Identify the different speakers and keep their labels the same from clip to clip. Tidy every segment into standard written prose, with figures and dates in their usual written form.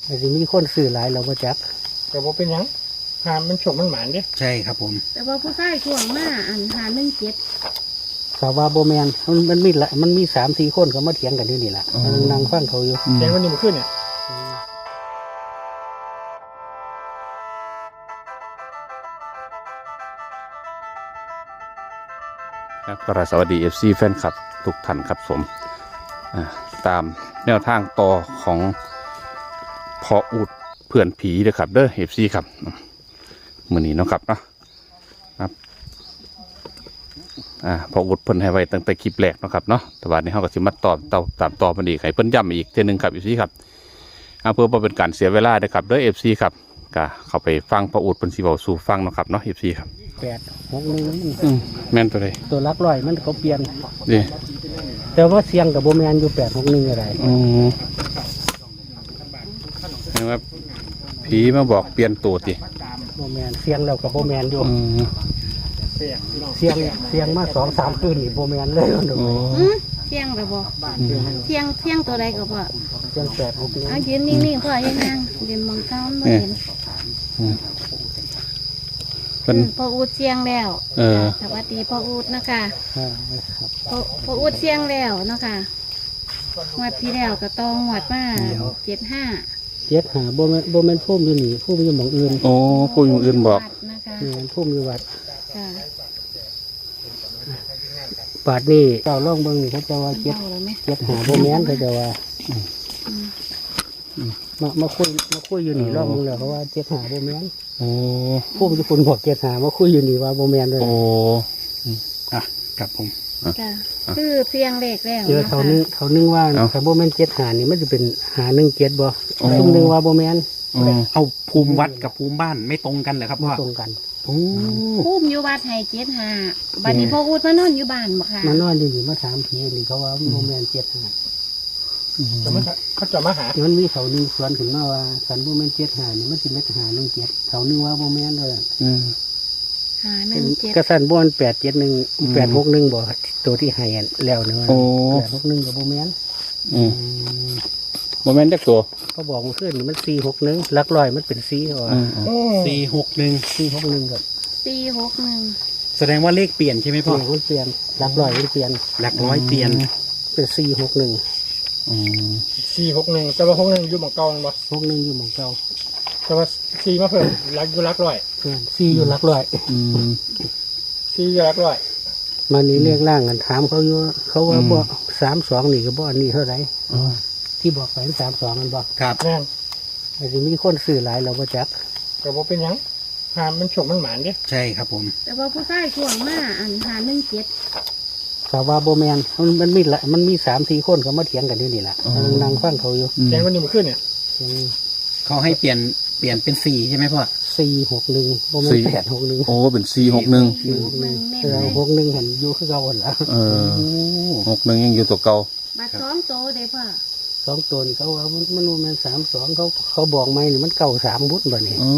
Speaker 1: อาจจะมีคนซื้อหลายเราก็จัก
Speaker 2: ก็บ่เป็นหยังหามันฉกมันหมานเด้
Speaker 3: ใช่ครับผม
Speaker 4: แต่ว่าผู้ชายช่วงมาอันหา17
Speaker 1: สาวาโบแมนมันมี3-4 คนเขามาเถียงกันอยู่นี่แหละนั่งฟังเขาอยู่
Speaker 2: เสียงวันนี้มันขึ้นเนี่ย
Speaker 5: ครับก็สวัสดี FC แฟนคลับทุกท่านครับผมตามแนวทางต่อของพออุดเพื่อนผีเด้อครับเด้อ FC ครับมื้อนี้เนาะครับเนาะครับพออุดเพิ่นให้ไว้ตั้งแต่คลิปแรกเนาะครับเนาะแต่ว่านี้เฮาก็สิมาตามต่อมันอีกให้เพิ่นย้ำอีกเทื่อนึงครับ FC ครับเพื่อบ่เป็นการเสียเวลาเด้อครับเด้อ FC ครับก็เข้าไปฟังพออุดเพิ่นสิเว้าสู่ฟังเนาะครับเนาะ FC ครับ
Speaker 1: 861
Speaker 5: แม่นตัวใด
Speaker 1: ตัวลักร้อยมันเขาเปลี่ยน
Speaker 5: นี่
Speaker 1: แต่ว่าเสียงกับโบแมนอยู่861อะไร
Speaker 5: เห็นว่าผีมาบอกเปลี่ยนตัวติ
Speaker 1: โบแมนเสียงแล้วกับโบแมนอยู่เสียงมา2-3 คืนนี่โบแมนเลย
Speaker 4: เที่ยงหรือบ่เที่ยงตัวใดก็บ่
Speaker 1: เสียง861
Speaker 4: ยืนนิ่งๆพ่อยังยืนมองเก้าไม่เห็นพ่ออูดเสียงแล้วสวัสดีพ่ออูดนะคะพ่ออูดเสียงแล้วนะคะงวดที่แล้วก็ต้องงวดมา75
Speaker 1: โบแมนพุ่มอยู่นี่พุ่มอยู่หม่องอื่น
Speaker 5: พุ่มอยู่อื่นบอก
Speaker 1: พุ่มอยู่วัดบาดนี่เจ้าล่องเบิ้งนี่เขาจะว่า75โบแมนเขาจะว่ามาคุยอยู่นี่ล่องเบิ้งแล้วเขาว่า75โบแมนพุ่มที่คุณบอก75มาคุยอยู่นี่ว่าโบแมนเลย
Speaker 3: ครับผม
Speaker 4: คือเพียงเล็กแล้ว
Speaker 1: เจอเขานึงว่าถ้าโบแมน75นี่มันจะเป็น517บ่ซุ่มนึงว่าโบแมน
Speaker 3: เอาภูมิวัดกับภูมิบ้านไม่ตรงกันเหรอครับพ่อ
Speaker 1: ตรงกัน
Speaker 4: ภูมิอยู่วัดให้75บัดนี้พ่ออูดมานอนอยู่บ้านบ่ค่ะ
Speaker 1: มานอนอยู่นี่มาถามผีนี่เขาว่าโบแมน75
Speaker 2: เขาจะมาหา
Speaker 1: มันมีเขานึงสวนขึ้นมาว่าสันโบแมน75นี่มันสิเม็ด517เขานึงว่าโบแมนเลย
Speaker 4: 517
Speaker 1: กระสันบอน861 861บ่ตัวที่ให้แล้วเนาะ861กับโบแมน
Speaker 5: โบแมนจักตัว
Speaker 1: เขาบอกมันขึ้นมัน461หลักร้อยมันเป็น4อ๋อ461กับ
Speaker 4: 461
Speaker 3: แสดงว่าเลขเปลี่ยนใช่ไหมพ่อ
Speaker 1: มันเปลี่ยนหลักร้อยมันเปลี่ยน
Speaker 3: หลักร้อยเปลี่ยน
Speaker 1: เป็น461
Speaker 2: 461แต่ว่า61อยู่หม่องเก่าบ่
Speaker 1: 61อยู่หม่องเก่า
Speaker 2: แต่ว่า4มาเพิ่มหลักอยู่หลักร้อย
Speaker 1: 4อยู่หลักร้อย
Speaker 2: 4อยู่หลักร้อย
Speaker 1: มันนี่เรียกร่างกันถามเขาอยู่เขาว่าบ่32นี่ก็บ่อันนี้เท่าไหร่ที่บอกไป32มันบ่
Speaker 3: ครับ
Speaker 2: แม่น
Speaker 1: อาจจะมีคนซื้อหลายเราก็จัก
Speaker 2: ก็บ่เป็นหยังหามันฉกมันหมานเด้
Speaker 3: ใช่ครับผม
Speaker 4: แต่ว่าผู้ชายช่วงมาอัน517
Speaker 1: สาวาโบแมนมันมี3-4 คนเขามาเถียงกันอยู่นี่แหละนั่งฟังเขาอยู่
Speaker 2: เสียงวันนี้มันขึ้นเนี่ย
Speaker 3: เขาให้เปลี่ยนเป็น4ใช่ไหมพ่อ
Speaker 1: 461โบแมน861
Speaker 5: เป็น461
Speaker 1: 61หันอยู่คือเก่าหมดแล้ว
Speaker 5: 61ยังอยู่ตัวเก่า
Speaker 4: บัด2โตเด้พ่อ
Speaker 1: 2ตัวนี่เขาว่ามันโบแมน32เขาบอกไม่นี่มัน93บุญบ่นี่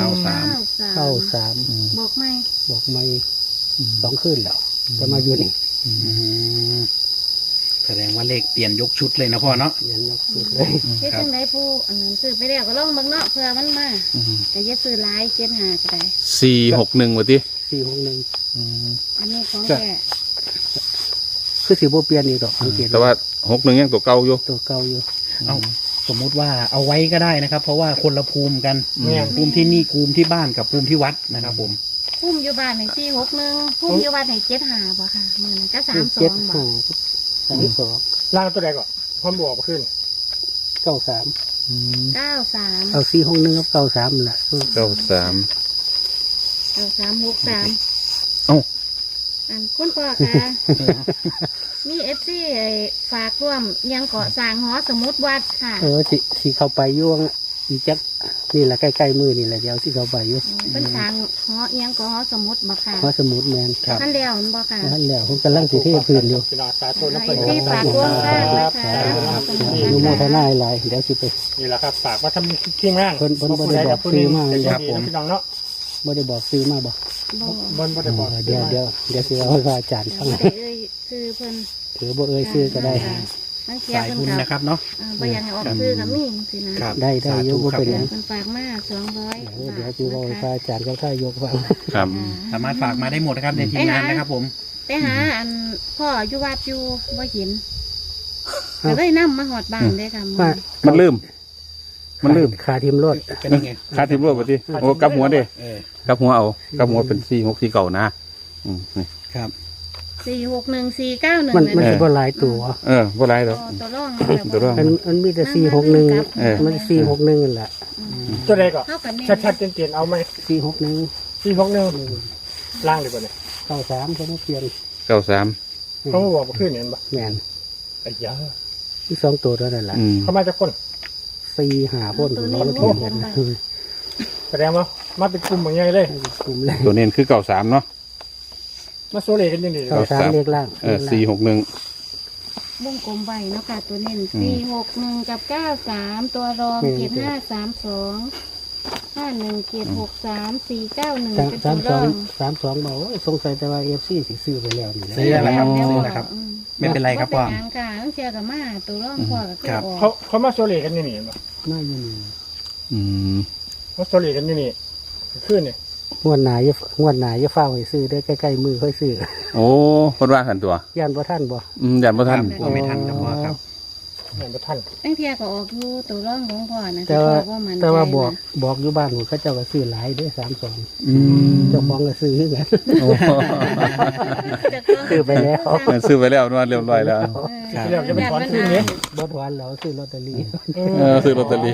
Speaker 1: 93
Speaker 4: บอก
Speaker 1: ไม่2คืนแล้วจะมาอยู่นี่
Speaker 3: แสดงว่าเลขเปลี่ยนยกชุดเลยนะพ่อเนาะ
Speaker 1: เปลี่ยนยกชุดเลย
Speaker 4: เฮ็ดจังได๋ผู้อันนั้นซื้อไปแล้วก็ลองเบิ่งเนาะเผื่อมันมาก็อย่าซื้อหลาย75ก็ได้
Speaker 5: 461ว่าติ
Speaker 4: 461อันนี้ของแท้
Speaker 1: คือสิบ่เปลี่ยนนี่ดอกสังเกต
Speaker 5: แต่ว่า61ยังตัวเก่าอยู่
Speaker 3: สมมุติว่าเอาไว้ก็ได้นะครับเพราะว่าคนละภูมิกันภูมิที่นี่ภูมิที่บ้านกับภูมิที่วัดนะครับผม
Speaker 4: ภูมิอยู่บ้านให้461ภูมิอยู่วัดให้75บ่ค่ะมื้อนั้นก็32บ่
Speaker 1: 32
Speaker 2: ล่างตัวใดก่อนพร้อมบอกขึ้น
Speaker 1: 93เอา461กับ93ล่ะ
Speaker 4: 6363อันคุณพ่อค่ะมีFC ฝากร่วมยังเกาะสร้างหอสมุดวัดค่ะ
Speaker 1: สิเข้าไปอยู่อีจักนี่แหละใกล้ๆมือนี่แหละเดี๋ยวสิเข้าไปอยู่
Speaker 4: เป็นสร้างหอยังเกาะหอสมุดบ่ค่ะ
Speaker 1: หอสมุดแม่น
Speaker 4: ครับท่านแล้วบ่ค่ะ
Speaker 1: ท่านแล้วผมกำลังสิเทพื้นอยู่
Speaker 2: สาธุนะเพิ่น
Speaker 4: ฝากร่วมสร้างนะคะ
Speaker 1: อนุโมทนาหลายเดี๋ยวสิไป
Speaker 2: นี่แหละครับฝากว่าทำทีมงาน
Speaker 1: เพิ่นบ่ได้บอกซื้อมา
Speaker 2: ครับผมพี่น้องเนาะ
Speaker 1: บ่ได้บอกซื้อมาบ่
Speaker 2: บ่ได้บอก
Speaker 1: เดี๋ยวสิเอาให้อาจารย์ฟัง
Speaker 4: ซื้อเพิ่น
Speaker 1: ถือบ่ซื้อก็ได้
Speaker 4: บางเที
Speaker 3: สาย
Speaker 4: เพิ่น
Speaker 3: บุญ
Speaker 4: ก็
Speaker 3: นะครับเนาะ
Speaker 4: บ่อยากให้ออกซื้อก็มีสินะครับ
Speaker 1: ได้อยู่บ่เป็นหยัง
Speaker 4: เพิ่นฝากมา200
Speaker 1: เดี๋ยวจะบอกให้พระอาจารย์กับท่านยกฟัง
Speaker 5: ครับ
Speaker 3: สามารถฝากมาได้หมดนะครับในทีมงานนะครับผม
Speaker 4: ไปหาอันพ่ออยู่วัดอยู่บ่เห็นก็เลยนำมาฮอดบ้านเด้ค่ะ
Speaker 1: ว่า
Speaker 5: มันลืม มันลืม
Speaker 1: ขาทีมรถ
Speaker 3: เป็นยังไง
Speaker 5: คาทิมรวดไปดิโอ้กลับหัวดิ
Speaker 3: เออ
Speaker 5: กลับหัวเอากลับหัวเป็น464เก่านะนี่
Speaker 3: ครับ
Speaker 4: 461 491
Speaker 1: มัน
Speaker 4: นั่น
Speaker 1: สิบ่หลายตัว
Speaker 5: บ่ไรหรอก
Speaker 4: ตัวร่อง
Speaker 5: ตัวร่อง
Speaker 1: มันมีแต่461
Speaker 5: เออ
Speaker 1: มัน461นั่นแหละ
Speaker 2: ตัวใดก่อน
Speaker 4: เท่ากันแน่
Speaker 2: ชัดๆเตียนๆเอาไหม
Speaker 1: 461
Speaker 2: 461ล่างเลยป่ะเนี่ย
Speaker 1: 93เขามาเปลี่ยน
Speaker 5: 93
Speaker 2: เขามาบอกว่าขึ้นเนี่ยป่ะ
Speaker 1: แม่น
Speaker 2: ไอ้ยา
Speaker 1: อีก2ตัวเท่านั้นแหละ
Speaker 2: เขามาจากคน
Speaker 1: 4-5คนเขามาเปลี่ยนกัน
Speaker 2: แสดงว่ามาเป็นกลุ่มอย่างไงเลย
Speaker 1: กลุ่มแรก
Speaker 5: ตัวเน้นคือ93เนาะ
Speaker 2: มาโซเลกันยังไง
Speaker 1: 93เลขล่าง
Speaker 5: 461
Speaker 4: วงกลมใบเนาะค่ะตัวเน้น461กับ93ตัวรอง7532 51 763 491เป็นตัวรอง
Speaker 1: 32บอกว่าสงสัยแต่ว่า FC สิซื้อไปแล้วนี่แหละ
Speaker 3: ซื้อแล้วครับซื้อแล้วครับ ไม่เป็นไรครับพ่อ
Speaker 4: เป็นหยังค่ะต้องเชียร์กับมาตัวร่องพ่อกับ
Speaker 3: ครับ
Speaker 4: ตัวออก
Speaker 2: เขามาโซเลกันยังไงป่ะ
Speaker 1: มาอยู่นี่
Speaker 5: อืม
Speaker 2: มาโซเลกันยังไงขึ้นเนี่ย
Speaker 1: งวดหน้าอย่าฟ้าวให้ซื้อได้อใกล้ๆมือค่อยซื้อ
Speaker 5: โอ้เพิ่นว่ากันตัว
Speaker 1: ย่านบ่ทันบ่
Speaker 5: ยันบ่ทัน
Speaker 3: กลัวไม่ทันครับพ่อครับ
Speaker 2: เหมือนกับท่าน
Speaker 4: ตั้งเทียก็ออกอยู่ตัวร่องของพ่อนะ
Speaker 1: แต่ว่า
Speaker 4: พ่อมัน
Speaker 1: แต่ว่า
Speaker 4: ใจ
Speaker 1: บอกอยู่บ้านผมเขาเจ้าก็ซื้อหลายเด้อ32
Speaker 5: อืม
Speaker 1: เจ้าของก็ซื้อคือกัน
Speaker 5: โอ้
Speaker 4: จะต้อง
Speaker 1: ซื้อไปแล้ว
Speaker 5: ซื้อไปแล้วนวดเรียบร้อยแล้ว
Speaker 3: ครับ
Speaker 2: เรียกจะเป็นถอนขึ้นเนี่ย
Speaker 1: บ่ถอนแล้วซื้อลอตเตอรี่
Speaker 5: ซื้อลอตเตอรี่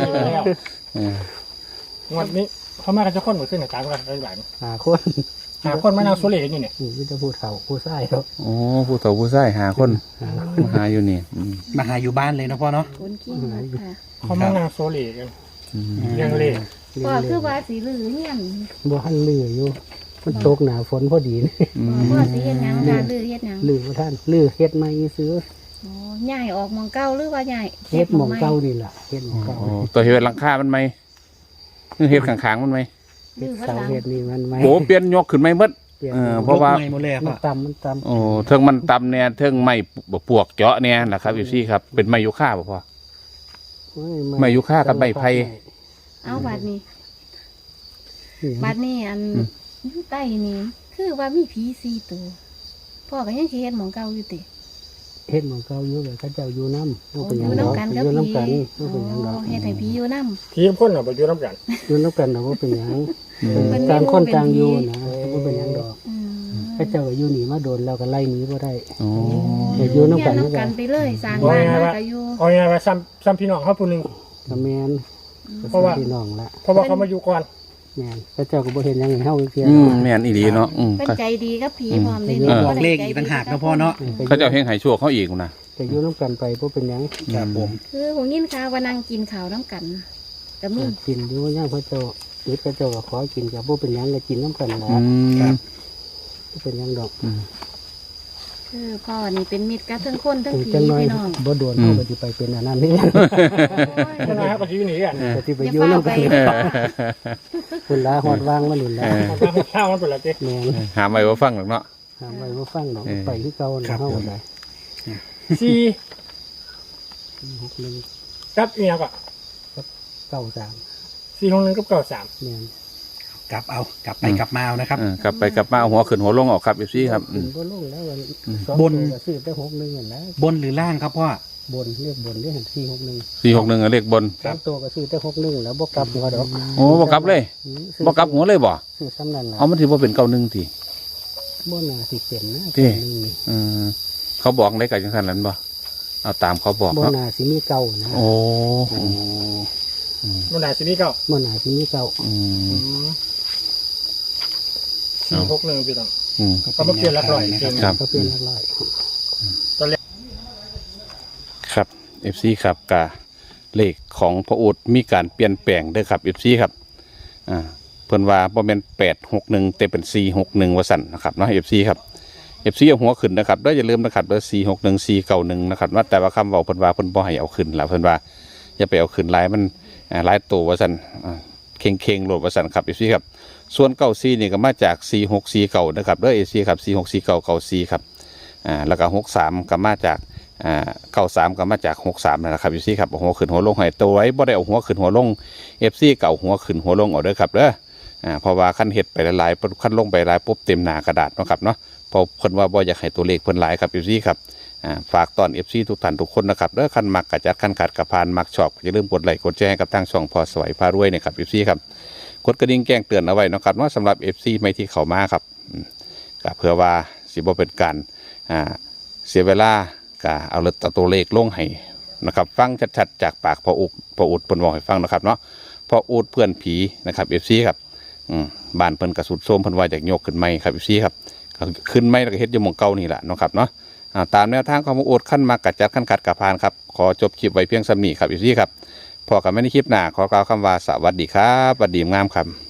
Speaker 2: งวดนี้เขามากันจะคนหมดขึ้นในการกันได้หลาย
Speaker 1: 5คน
Speaker 2: หาคนมานั่งโซเลกันอยู่เนี่ย
Speaker 1: นี่มีแต่ผู้เฒ่าผู้ชายครับ
Speaker 5: โอ้ผู้เฒ่าผู้ชายหาคนมาหาอยู่นี่อืม
Speaker 3: มาหาอยู่บ้านเลยนะพ่อเนาะ
Speaker 4: คนขี้งกค่ะ
Speaker 2: เขามานั่งโซเลกัน
Speaker 5: อืม
Speaker 2: เรื่องเล่
Speaker 4: พ่อคือว่าสีลือเฮียน
Speaker 1: บ่ทันลืออยู่มันตกหน้าฝนพอดีนี่
Speaker 4: พ่อสีเฮ็ดหยังค่ะลือเฮ็ดหยัง
Speaker 1: ลือบ่ทันลือเฮ็ดใหม่ซื้อ
Speaker 4: โอ้ย้ายออกหมองเก่าหรือว่าย้าย
Speaker 1: เฮ็ดหม่องเก่านี่ล่ะเฮ็ดหม่องเก่า
Speaker 5: โอ้ตัวเฮ็ดหลังคามันไหมเฮ็ดข้างๆมันไหม
Speaker 1: เฮ็ดเสาเฮ็ดนี่มันไหม
Speaker 5: โอ้เปลี่ยนยกขึ้นไหมหมด
Speaker 1: เปลี่ยน
Speaker 5: เพราะว่า
Speaker 3: ยกไม้หมดเลยอะ
Speaker 1: มั
Speaker 3: พ่อน
Speaker 1: ต่ำ
Speaker 5: โอ้เทิงมันต่ำเนี่ยเทิงไม้ปวกเจาะเนี่ยนะครับอยู่ซี่ครับเป็นไม้ยูคาบ่พอ ไม่ยุค่ากับใบไผ่
Speaker 4: เอาบัดนี้
Speaker 1: นี่
Speaker 4: บัดนี้อันอยู่ใต้นี่คือว่ามีผี4ตัวพ่อก็ยังสิเฮ็ดหมองเก่าอยู่ติ
Speaker 1: เฮ็ดหม่องเก่าอยู่เลยเขาเจ้าอยู่นำ
Speaker 4: โอ้
Speaker 1: เป็นห
Speaker 4: อ
Speaker 1: ยัง
Speaker 4: ยู่
Speaker 1: ดอก
Speaker 4: นำกันกับ
Speaker 1: อยู่
Speaker 4: ผี
Speaker 1: นำกันบ่เป็นหยังดอก
Speaker 4: เฮ็ดให้ผีอยู่นำ
Speaker 2: ทีมคนเราไปอยู่น้ำกัน
Speaker 1: อยู่นำกันน่ะบ่เป็นหยัง
Speaker 4: เพิ่น
Speaker 1: ต่างคน
Speaker 4: เป็น
Speaker 1: ต่างอยู่
Speaker 4: ผี
Speaker 1: นะบ่เป็นหยังดอก
Speaker 4: อืม
Speaker 1: เขาเจ้าก็อยู่นี่มาโดนแล้วก็ไล่หนีบ่ได้
Speaker 5: โอ้
Speaker 1: แต่อยู่นำกัน
Speaker 4: เฮีย
Speaker 1: นี่ก็
Speaker 4: ไปเลยสร้างบ้านมาก็อยู่
Speaker 2: เอาไงว่าซ้ำพี่น้องเขาผู้หนึ่ง
Speaker 1: ก็แม่น
Speaker 2: เพราะว่า
Speaker 1: พี่น้องละ
Speaker 2: เพราะว่าเขามาอยู่ก่อน
Speaker 1: แม่นเขาเจ้าก็บ่เห็นหยังให้เฮาเสีย
Speaker 5: แม่นอีหลีเนาะ
Speaker 4: เพิ่นใจดีกับผีพร้อมเลย
Speaker 3: บอกเลขอีกต่างหากนะพ่อเนาะ
Speaker 5: เขาเจ้าเฮงไห้ชั่วเขาอีกนะ
Speaker 1: แต่อยู่นำกันไปบ่เป็นหยัง
Speaker 3: ครับผม
Speaker 4: คือผมยินข่าวว่านั่งกินข้าวน้ำกันก็มี
Speaker 1: กินอยู่ย่างเขาเจ้าอึดเขาเจ้าก็ขอกินก็บ่เป็นหยังก็กินนำกันล่ะ
Speaker 3: ครับ
Speaker 1: บ่เป็นหยังดอก
Speaker 4: คือพ่อนี่เป็นมิตรกับทั้งคนทั้งผี
Speaker 1: จังน้อย
Speaker 4: พี่น้อง
Speaker 1: บ่โดนเฮาก็สิไปเป็นอันนั้นนี่
Speaker 2: คนนั้นเขาก็อยู่นี่กัน
Speaker 1: ก็สิไปอยู่นำกันคุณลาฮอดวางมานี่ล่ะ
Speaker 2: มันก็ข้าวมันเป็นอะไรเจ๊
Speaker 1: แม่น
Speaker 5: หาไม่ว่าฟังหรอกเนาะ
Speaker 1: หาไว้บ่ฟังดอกไปคือเก่าน่ะเฮาก็ได้
Speaker 2: สี่
Speaker 1: 61
Speaker 2: กับเมียก็
Speaker 1: 93
Speaker 2: 461กับ93
Speaker 1: แม่น
Speaker 3: กลับเอากลับไปกลับมาเอานะครับ
Speaker 5: กลับไปกลับมาเอาหัวขึ้นหัวลงออกครับอยู่ซี่ครับ
Speaker 1: ขึ้นบ่ลงแล้ววันสอง
Speaker 3: บน
Speaker 1: ตัวก็ซื้อแต่61นั่นแหละ
Speaker 3: บนหรือล่างครับพ่อบ
Speaker 1: นเรียกบนเรียก461
Speaker 5: 461เลขบน
Speaker 1: สามตัวก็ซื้อแต่61แล้วบ่กลับหัวดอก
Speaker 5: โอ้บ่กลับเลย
Speaker 1: ซื้อ
Speaker 5: บ่กลับหัวเลยบ่
Speaker 1: ซื้อซ้ำนั่นล่ะ
Speaker 5: เอามันสิบ่เป็น91ที
Speaker 1: บ่น่าสิเป็นนะ
Speaker 5: ที่
Speaker 1: 91นี่
Speaker 5: เขาบอกได้กับจังซั่นนั้นบ่เอาตามเขาบอก
Speaker 1: บ่
Speaker 5: เนาะ
Speaker 1: น่าสิมีเก่านะ
Speaker 5: โอ้
Speaker 2: มันได้สินี่เก้า
Speaker 1: บ่น่าสิมีเก่า
Speaker 2: 461พี่น้อง
Speaker 3: ก็มาเปลี่ยนหลักร้อยนะครับ
Speaker 5: ครับ
Speaker 1: ก็เป็นหลักร้อย
Speaker 5: ครับ FC ครับกะเลขของพระอุดมีการเปลี่ยนแปลงเด้อครับ FC ครับเพิ่นว่าบ่แม่น861แต่เป็น461ว่าซั่นนะครับเนาะ FC ครับ FC เอาหัวขึ้นนะครับแล้วอย่าลืมนะครับเด้อ461 491นะครับว่าแต่ว่าคำเว้าเพิ่นว่าเพิ่นบ่ให้เอาขึ้นล่ะเพิ่นว่าอย่าไปเอาขึ้นหลายมันหลายตัวว่าซั่นเข่งๆโหลดว่าซั่นครับ FC ครับส่วน94นี่ก็มาจาก4649นะครับเด้อ FC ครับ464994ครับแล้วก็63ก็มาจาก 93ก็มาจาก63นั่นแหละครับ FC ครับเอาหัวขึ้นหัวลงให้ตัวไว้บ่ได้เอาหัวขึ้นหัวลง FC เก่าหัวขึ้นหัวลงเอาเด้อครับเด้อเพราะว่าขั้นเฮ็ดไปหลายๆขั้นลงไปหลายปุ๊บเต็มหน้ากระดาษเนาะครับเนาะเพราะเพิ่นว่าบ่อยากให้ตัวเลขเพิ่นหลายครับ FC ครับฝากตอน FC ทุกท่านทุกคนนะครับเด้อคันมักกะจัดคันขัดกะพานมักชอบอย่าลืมกดไลค์กดแชร์ให้กับทางช่องพอสวยพารวยนะครับ FC ครับกดกระดิ่งแจ้งเตือนเอาไว้นะครับว่าสำหรับ FC ไม่ที่เข้ามาครับก็เพื่อว่าสิบ่เป็นการเสียเวลาก็เอาตัวเลขลงให้นะครับฟังชัดๆจากปากพออุดเพิ่นบอกให้ฟังนะครับเนาะพออุดเพื่อนผีนะครับ FC ครับบ้านเพิ่นกระสุดโทรมเพิ่นว่าอยากยกขึ้นใหม่ครับ FC ครับขึ้นใหม่แล้วก็เฮ็ดอยู่หม่องเก่านี่แหละเนาะครับเนาะตามแนวทางของพออุดขั้นมากกัดจัดขั้นขัดกะพานครับขอจบคลิปไว้เพียงส่ำนี้ครับ FC ครับพอกันไม่ในคลิปหน้าขอกล่าวคำว่าสวัสดีครับสวัสดีงามครับ